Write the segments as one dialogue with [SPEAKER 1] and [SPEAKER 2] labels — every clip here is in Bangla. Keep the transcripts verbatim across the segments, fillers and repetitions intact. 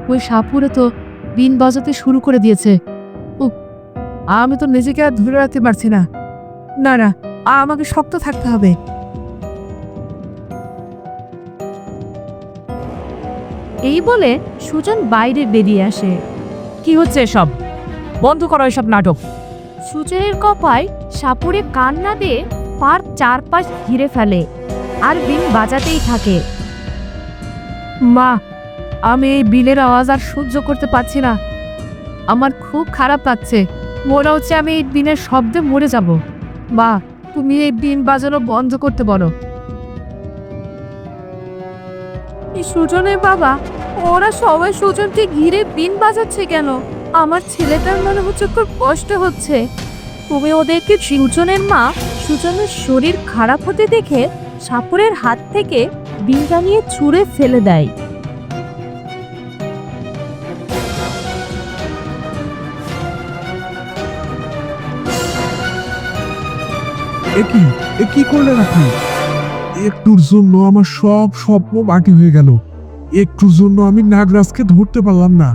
[SPEAKER 1] ওই সাপুরে তো বিন বাজাতে শুরু করে দিয়েছে। উফ, আমি তো নিজেকে আর ধরে রাখতে পারছি না। না না, আমাকে শক্ত থাকতে হবে।
[SPEAKER 2] এই বলে সুজন বাইরে বেরিয়ে আসে।
[SPEAKER 1] কি হচ্ছে এসব? বন্ধ করো এসব নাটক।
[SPEAKER 2] সুজনের কপায় সাপুরে কান্না দিয়ে পার চারপাশ ঘিরে ফেলে আর বিন বাজাতেই থাকে।
[SPEAKER 1] মা, আমি এই বিলের আওয়াজ আর সহ্য করতে পারছি না। আমার খুব খারাপ লাগছে। মনে হচ্ছে আমি এই বিনের শব্দে মরে যাব। মা, তুমি এই বিন বাজানো বন্ধ করতে বলো।
[SPEAKER 2] সুজনের বাবা, ওরা সবাই সুজনকে ঘিরে বিন বাজাচ্ছে কেন? আমার ছেলেটার মনে হচ্ছে খুব কষ্ট হচ্ছে। তুমি ওদেরকে সুজনের মা সুজনের শরীর খারাপ হতে দেখে সাপুরের হাত থেকে বিনটা নিয়ে ছুঁড়ে ফেলে দেয়।
[SPEAKER 3] একই এ কি করলেন আপনি? একটুর জন্য আমার সব স্বপ্ন বাকি হয়ে গেল। একটুর জন্য আমি নাগরাজকে ধরতে পারলাম না।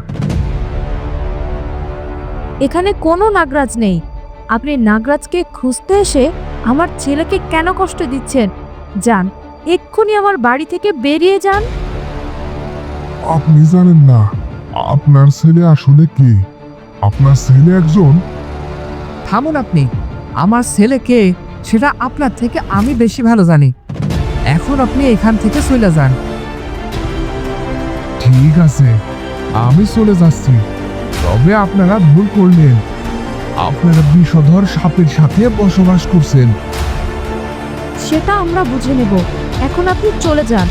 [SPEAKER 2] এখানে কোনো নাগরাজ নেই। আপনি নাগরাজকে খুঁজতে এসে আমার ছেলেকে কেন কষ্ট দিচ্ছেন? যান, এক্ষুনি আমার বাড়ি থেকে বেরিয়ে যান।
[SPEAKER 3] আপনি জানেন না আপনার ছেলে আসলে কে? আপনার ছেলে একজন।
[SPEAKER 1] থামুন আপনি। আমার ছেলে কে সেটা আপনার থেকে আমি বেশি ভালো জানি। এখন আপনি এখান থেকে চলে যান।
[SPEAKER 3] ঠিক আছে, আমি চলে যাচ্ছি। তবে আপনারা ভুল করলেন। আপনারা বিষধর সাপের সাথে বসবাস করছেন।
[SPEAKER 2] সেটা আমরা বুঝে নেব। এখন আপনি চলে যান।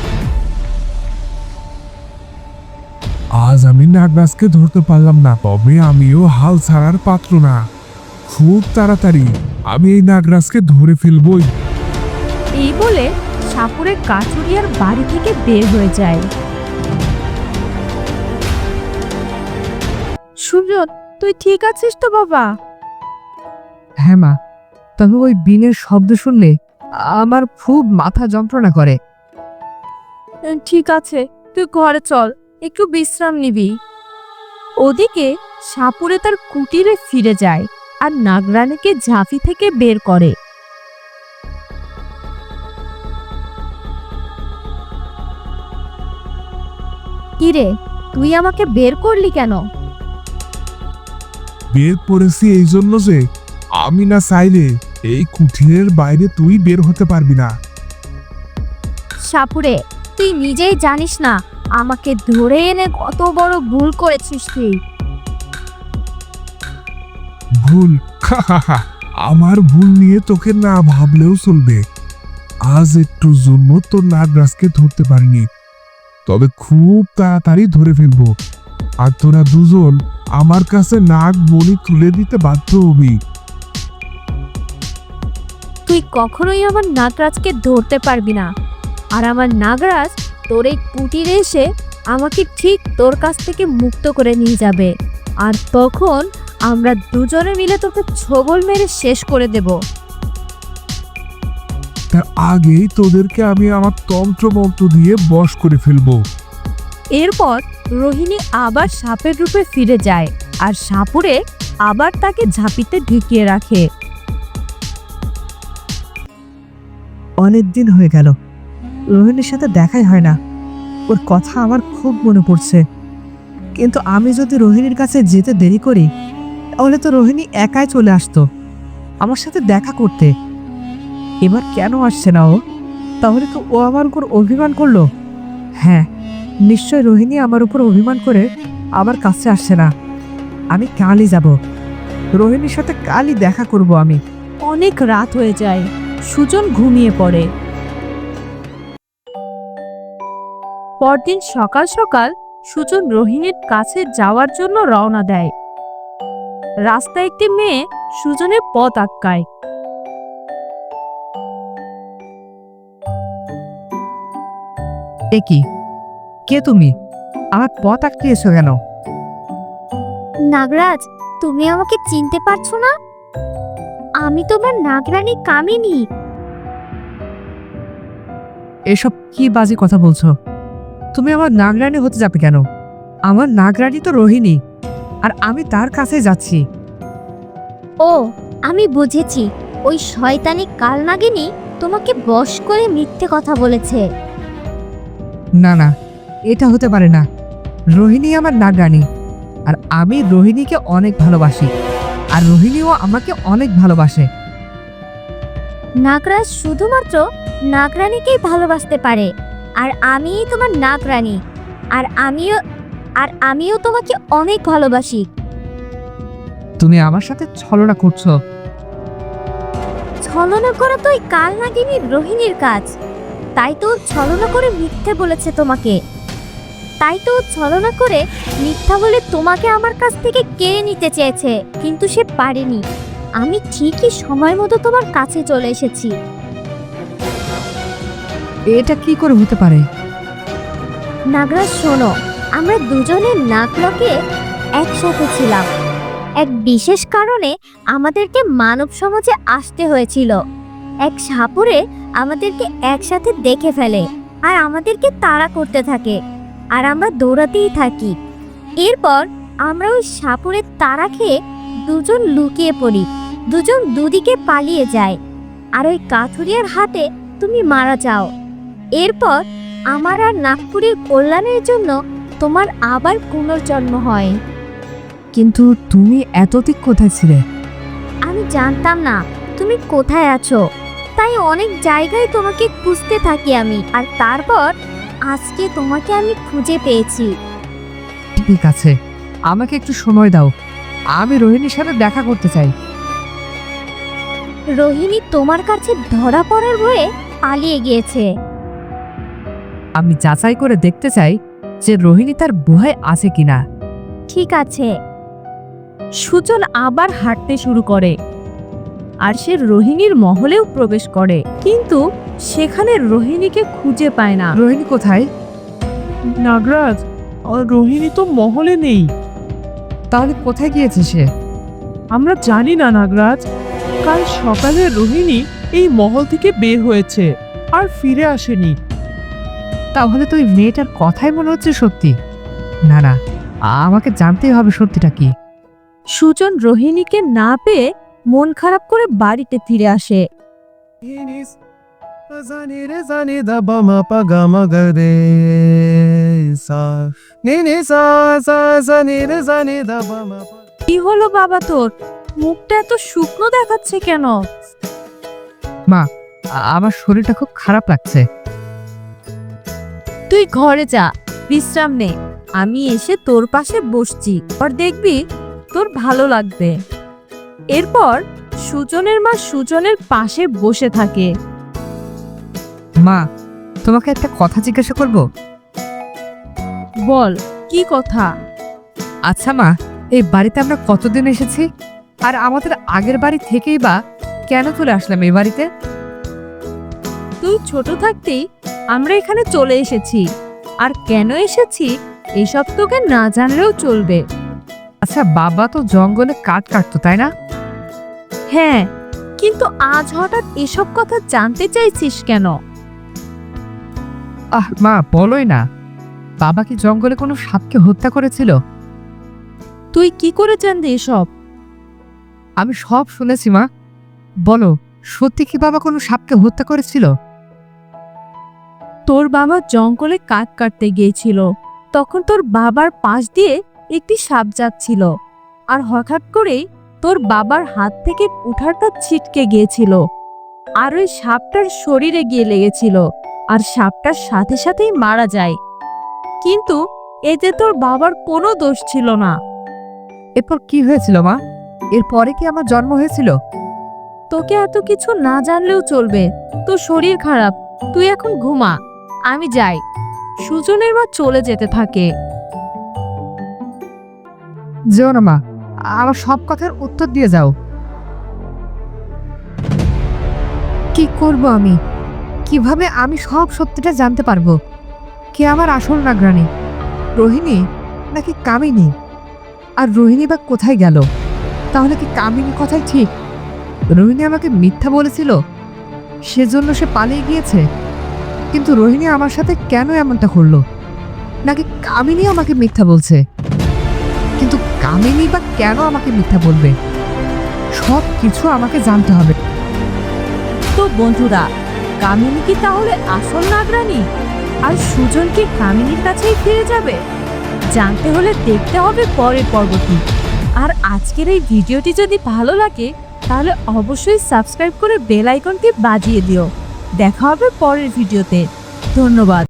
[SPEAKER 3] আজ আমি নাগরাজকে ধরতে পারলাম না, তবে আমিও হাল ছাড়ার পাত্র না। খুব তাড়াতাড়ি আমি এই নাগরাজকে ধরে ফেলবই।
[SPEAKER 2] এই বলে সাপুরে কাঠুরিয়ার বাড়ি থেকে বের হয়ে যায়। সুজন, তুই ঠিক আছিস তো বাবা?
[SPEAKER 1] হ্যাঁ মা, তবে ওই বিনের শব্দ শুনলে আমার খুব মাথা যন্ত্রণা করে।
[SPEAKER 2] ঠিক আছে, তুই ঘরে চল, একটু বিশ্রাম নিবি। ওদিকে সাপুরে তার কুটিরে ফিরে যায় আর নাগরানীকে ঝাঁপি থেকে বের করে। কিরে, তুই আমাকে বের করলি কেন?
[SPEAKER 3] বের করেছি এই জন্য যে আমি না চাইলে এই কুঠিরের বাইরে তুই বের হতে পারবি না।
[SPEAKER 2] সাপুরে, তুই নিজেই জানিস না আমাকে ধরে এনে কত বড় ভুল করেছিস তুই।
[SPEAKER 3] ভুল? আমার ভুল নিয়ে তোকে না ভাবলেও চলবে। আজ একটুর জন্য তোর নাগরাজকে ধরতে পারিনি, তবে খুব তাড়াতাড়ি ধরে ফেলবো। আর তোরা দুজন আমার কাছে নাগ বলি তুলে দিতে বাধ্য হবি।
[SPEAKER 2] তুই কখনোই আমার নাগরাজকে ধরতে পারবি না। আর আমার নাগরাজ তোর এই কুটিরে এসে আমাকে ঠিক তোর কাছ থেকে মুক্ত করে নিয়ে যাবে। আর তখন আমরা দুজনে মিলে তোকে ছবল মেরে শেষ করে দেব।
[SPEAKER 3] তার আগেই তোদেরকে আমি আমার তন্ত্র মন্ত্র দিয়ে বশ করে ফেলবো।
[SPEAKER 2] এরপর রোহিণী আবার সাপের রূপে ফিরে যায় আর সাপুরে আবার তাকে ঝাঁপিতে ঢুকিয়ে রাখে।
[SPEAKER 1] অনেক দিন হয়ে গেল রোহিণীর সাথে দেখাই হয় না। ওর কথা আমার খুব মনে পড়ছে। কিন্তু আমি যদি রোহিণীর কাছে যেতে দেরি করি তাহলে তো রোহিণী একাই চলে আসতো আমার সাথে দেখা করতে। এবার কেন আসছে না ও? তাহলে তো ও আমার উপর অভিমান করলো। হ্যাঁ, নিশ্চয় রোহিণী আমার উপর অভিমান করে আমার কাছে আসছে না। আমি কালই যাব, রোহিণীর সাথে কালই দেখা করব আমি।
[SPEAKER 2] অনেক রাত হয়ে যায়, সুজন ঘুমিয়ে পড়ে। পরদিন সকাল সকাল সুজন রোহিণীর কাছে যাওয়ার জন্য রওনা দেয়। রাস্তায় একটি মেয়ে সুজনের পথ আটকায়।
[SPEAKER 1] এ কি, কে তুমি? আমার পথ আটকিয়েছো কেন?
[SPEAKER 2] নাগরাজ, তুমি আমাকে চিনতে পারছো না? আমি তোমার নাগরানী কামিনী।
[SPEAKER 1] এসব কি বাজে কথা বলছো? তুমি আমার নাগরানী হতে যাবে কেন? আমার নাগরানি তো রোহিণী, আর আমি তার কাছে যাচ্ছি।
[SPEAKER 4] ও, আমি বুঝেছি, ওই শয়তানি কালনাগিনী তোমাকে বশ করে মিথ্যে কথা বলেছে।
[SPEAKER 1] না না, এটা হতে পারে না। রোহিণী আমার নাগরানি, আর আমি রোহিণীকে অনেক ভালোবাসি, আর রোহিণীও আমাকে অনেক ভালোবাসে।
[SPEAKER 4] নাগরাজ শুধুমাত্র নাগরানীকেই ভালোবাসতে পারে, আর আমিই তোমার নাগরানী, আর আমিও আর আমিও তোমাকে অনেক ভালোবাসি।
[SPEAKER 1] তুমি আমার সাথে ছলনা করছো।
[SPEAKER 4] ছলনা করা তো ওই কালনাগিনীর রোহিণীর কাজ, তাই তো ও ছলনা করে মিথ্যে বলেছে তোমাকে। তাই তো ও ছলনা করে মিথ্যা বলে তোমাকে আমার কাছ থেকে কেড়ে নিতে চেয়েছে, কিন্তু সে পারেনি। আমি ঠিকই সময় মতো তোমার কাছে চলে এসেছি।
[SPEAKER 1] এটা কি করে হতে পারে?
[SPEAKER 4] নাগরাজ শোনো, আমরা দুজনে নাকলকে একসাথে ছিলাম। এক বিশেষ কারণে আমাদেরকে মানব সমাজে আসতে হয়েছিল। এক সাপুরে আমাদেরকে একসাথে দেখে ফেলে আর আমাদেরকে তাড়া করতে থাকে, আর আমরা দৌড়াতেই থাকি। এরপর আমরা ওই সাপুরের তাড়া খেয়ে দুজন লুকিয়ে পড়ি, দুজন দুদিকে পালিয়ে যায়, আর ওই কাঠুরিয়ার হাতে তুমি মারা যাও। এরপর আমার আর নাগপুরের কল্যাণের জন্য তোমার আবার পুনর্জন্ম হয়।
[SPEAKER 1] কিন্তু তুমি এতদিন কোথায় ছিলে?
[SPEAKER 4] আমি জানতাম না তুমি কোথায় আছো, তাই অনেক জায়গায় তোমাকে খুঁজতে থাকি আমি, আর তারপর আজকে তোমাকে আমি খুঁজে পেয়েছি।
[SPEAKER 1] ঠিক আছে, আমাকে একটু সময় দাও, আমি রোহিণীর সাথে দেখা করতে চাই।
[SPEAKER 4] রোহিণী তোমার কাছে ধরা পড়ার ভয়ে পালিয়ে গিয়েছে।
[SPEAKER 1] আমি যাচাই করে দেখতে চাই যে রোহিণী তার গুহায় আছে কিনা।
[SPEAKER 4] ঠিক আছে।
[SPEAKER 2] সুজন আবার হাঁটতে শুরু করে, আর সে রোহিণীর মহলেও প্রবেশ করে, কিন্তু সেখানে রোহিণীকে খুঁজে পায় না।
[SPEAKER 1] রোহিণী কোথায়?
[SPEAKER 5] নাগরাজ, আর রোহিণী তো মহলে নেই।
[SPEAKER 1] তাহলে কোথায় গিয়েছে সে?
[SPEAKER 5] আমরা জানি না নাগরাজ। কাল সকালে রোহিণী এই মহল থেকে বের হয়েছে আর ফিরে আসেনি।
[SPEAKER 1] তাহলে তো ওই মেয়েটার কথাই মনে হচ্ছে সত্যি। না না, আমাকে জানতেই হবে সত্যিটা কি।
[SPEAKER 2] সুজন রোহিণীকে না পেয়ে মন খারাপ করে বাড়িতে ফিরে আসে। কি হলো বাবা, তোর মুখটা এত শুকনো দেখাচ্ছে কেন?
[SPEAKER 1] মা, আ- আমার শরীরটা খুব খারাপ লাগছে।
[SPEAKER 2] তুই ঘরে যা, বিশ্রাম নে, আমি এসে তোর পাশে বসছি, আর দেখবি তোর ভালো লাগবে। এরপর সুজনের মা সুজনের পাশে বসে থাকে।
[SPEAKER 1] মা, তোমাকে একটা কথা জিজ্ঞাসা করব?
[SPEAKER 2] বল, কি কথা?
[SPEAKER 1] আচ্ছা মা, এই বাড়িতে আমরা কতদিন এসেছি, আর আমাদের আগের বাড়ি থেকেই বা কেন চলে আসলাম এই বাড়িতে?
[SPEAKER 2] তুই ছোট থাকতেই আমরা এখানে চলে এসেছি, আর কেন এসেছি এসব তোকে না জানলেও চলবে।
[SPEAKER 1] আচ্ছা, বাবা তো জঙ্গলে কাঠ কাটতো, তাই না?
[SPEAKER 2] হ্যাঁ, কিন্তু আজ হঠাৎ এসব কথা জানতে চাইছিস কেন?
[SPEAKER 1] আহ মা, বলোই না। বাবা কি জঙ্গলে কোনো সাপকে হত্যা করেছিল?
[SPEAKER 2] তুই কি করে জানলি এসব?
[SPEAKER 1] আমি সব শুনেছি মা। বলো, সত্যি কি বাবা কোনো সাপকে হত্যা করেছিল?
[SPEAKER 2] তোর বাবা জঙ্গলে কাঠ কাটতে গিয়েছিল, তখন তোর বাবার পাশ দিয়ে একটি সাপ যাচ্ছিল, আর হঠাৎ করেই তোর বাবার হাত থেকে কুঠারটা ছিটকে গিয়েছিল, আর ওই সাপটার শরীরে গিয়ে লেগেছিল, আর সাপটার সাথে সাথেই মারা যায়। কিন্তু এতে তোর বাবার কোনো দোষ ছিল না।
[SPEAKER 1] এরপর কি হয়েছিল মা? এরপরে কি আমার জন্ম হয়েছিল?
[SPEAKER 2] তোকে এত কিছু না জানলেও চলবে, তোর শরীর খারাপ, তুই এখন ঘুমা, আমি যাই। সুজনের মা চলে যেতে থাকে।
[SPEAKER 1] যেও না মা, আমার সব কথার উত্তর দিয়ে যাও। কি করব আমি? কিভাবে আমি সব সত্যিটা জানতে পারবো? কে আমার আসল নাগরানী, রোহিণী নাকি কামিনী? আর রোহিণী বা কোথায় গেল? তাহলে কি কামিনী কথাই ঠিক? রোহিণী আমাকে মিথ্যা বলেছিল, সেজন্য সে পালিয়ে গিয়েছে। কিন্তু রোহিণী আমার সাথে কেন এমনটা করলো? নাকি কামিনী আমাকে মিথ্যা বলছে? কিন্তু কামিনী বা কেন আমাকে মিথ্যা বলবে? সব কিছু আমাকে জানতে হবে।
[SPEAKER 2] তো বন্ধুরা, কামিনী কি তাহলে আসল নাগরানী? আর সুজন কি কামিনীর কাছেই ফিরে যাবে? জানতে হলে দেখতে হবে পরের পর্বটি। আর আজকের এই ভিডিওটি যদি ভালো লাগে তাহলে অবশ্যই সাবস্ক্রাইব করে বেল আইকনটি বাজিয়ে দিও। দেখা হবে পরের ভিডিওতে। ধন্যবাদ।